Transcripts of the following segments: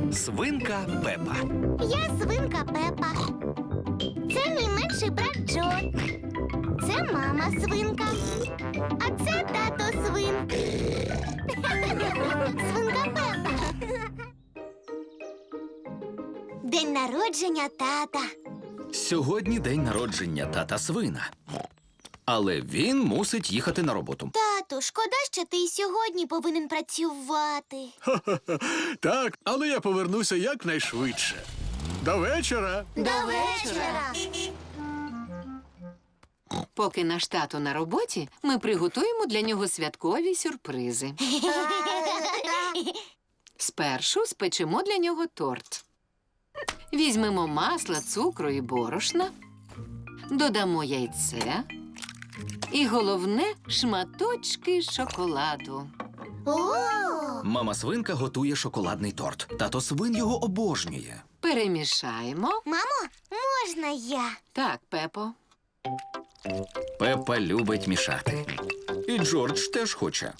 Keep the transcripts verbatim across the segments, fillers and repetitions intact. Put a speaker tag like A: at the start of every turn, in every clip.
A: Свинка Пепа.
B: Я свинка Пепа. Це мій менший брат Джо. Це мама свинка. А це тато свин. Свинка Пепа. День народження тата.
A: Сьогодні день народження тата свина. Але він мусить їхати на роботу.
B: Тату, шкода, що ти і сьогодні повинен працювати.
C: Так, але я повернуся якнайшвидше. До вечора.
B: До вечора.
D: Поки наш тато на роботі, ми приготуємо для нього святкові сюрпризи. Спершу спечемо для нього торт. Візьмемо масла, цукру і борошна, додамо яйце і, головне, шматочки шоколаду.
B: О!
A: Мама свинка готує шоколадний торт. Тато свин його обожнює.
D: Перемішаємо.
B: Мамо, можна я?
D: Так, Пепо.
A: Пепа любить мішати. І Джордж теж хоче.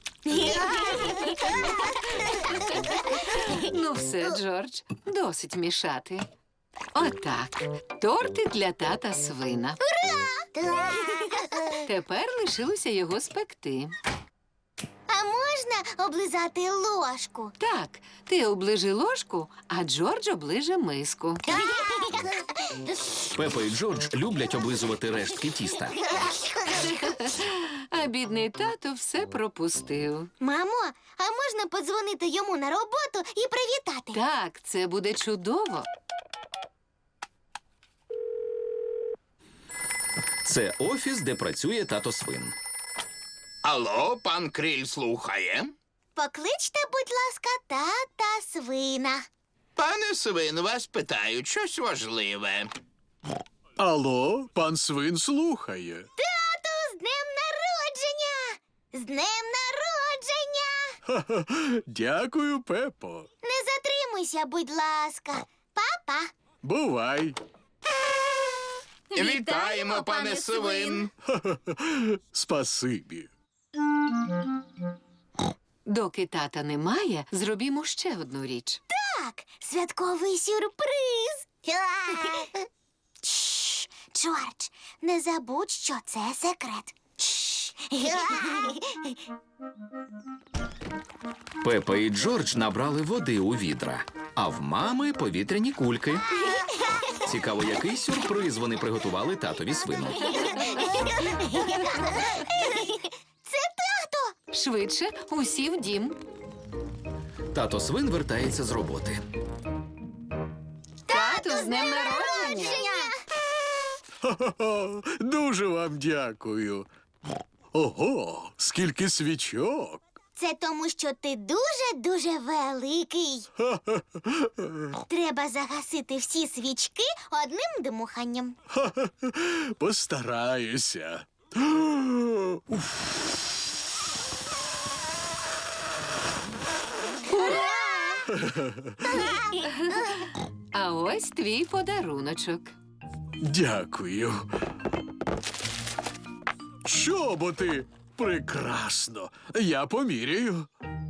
D: Ну все, Джордж, досить мішати. Отак. Тортик для тата свина. Тепер лишилося його спекти.
B: А можна облизати ложку?
D: Так, ти оближи ложку, а Джордж оближе миску.
A: Пепа і Джордж люблять облизувати рештки тіста.
D: А бідний тато все пропустив.
B: Мамо, а можна подзвонити йому на роботу і привітати?
D: Так, це буде чудово.
A: Це офіс, де працює тато свин.
E: Алло, пан Кріль слухає.
B: Покличте, будь ласка, тата свина.
E: Пане свин, вас питають щось важливе.
C: Алло, пан свин слухає.
B: Тату, з днем народження! З днем народження!
C: Ха-ха. Дякую, Пепо.
B: Не затримуйся, будь ласка. Папа.
C: Бувай.
E: Вітаємо, пане свин.
C: Спасибі.
D: Доки тата немає, зробімо ще одну річ.
B: Так, святковий сюрприз. Чш, Джордж, не забудь, що це секрет. Чш.
A: Пепа і Джордж набрали води у відра, а в мами повітряні кульки. Цікаво, який сюрприз вони приготували татові свину.
B: Це тато.
D: Швидше, усі в дім.
A: Тато свин вертається з роботи.
D: Тату, з днем народження!
C: Ха-ха-ха. Дуже вам дякую. Ого, скільки свічок.
B: Це тому, що ти дуже-дуже великий. Треба загасити всі свічки одним дмуханням.
C: Постараюся. Уф.
D: А ось твій подаруночок.
C: Дякую. Чоботи! Прекрасно. Я поміряю.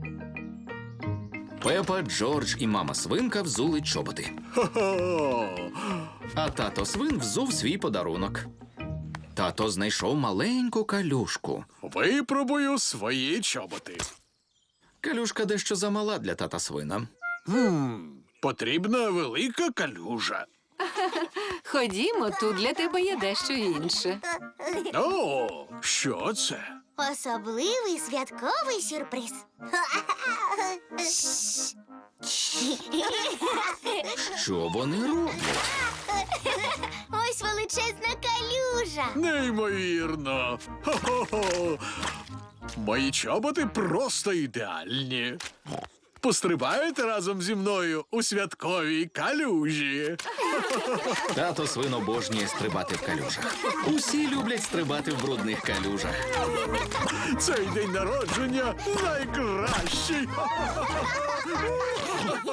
A: Пепа, Джордж і мама свинка взули чоботи.
C: Хо-хо.
A: А тато свин взув свій подарунок. Тато знайшов маленьку калюшку.
C: Випробую свої чоботи.
A: Калюшка дещо замала для тата свина.
C: Хм, потрібна велика калюжа.
D: Ходімо, тут для тебе є дещо інше.
C: О, що це?
B: Особливий святковий сюрприз.
A: Що вони роблять?
B: Ось величезна калюжа.
C: Неймовірно. Хо-хо-хо. Мої чоботи просто ідеальні. Пострибаєте разом зі мною у святковій калюжі.
A: Тато свин обожнює стрибати в калюжах. Усі люблять стрибати в брудних калюжах.
C: Цей день народження найкращий.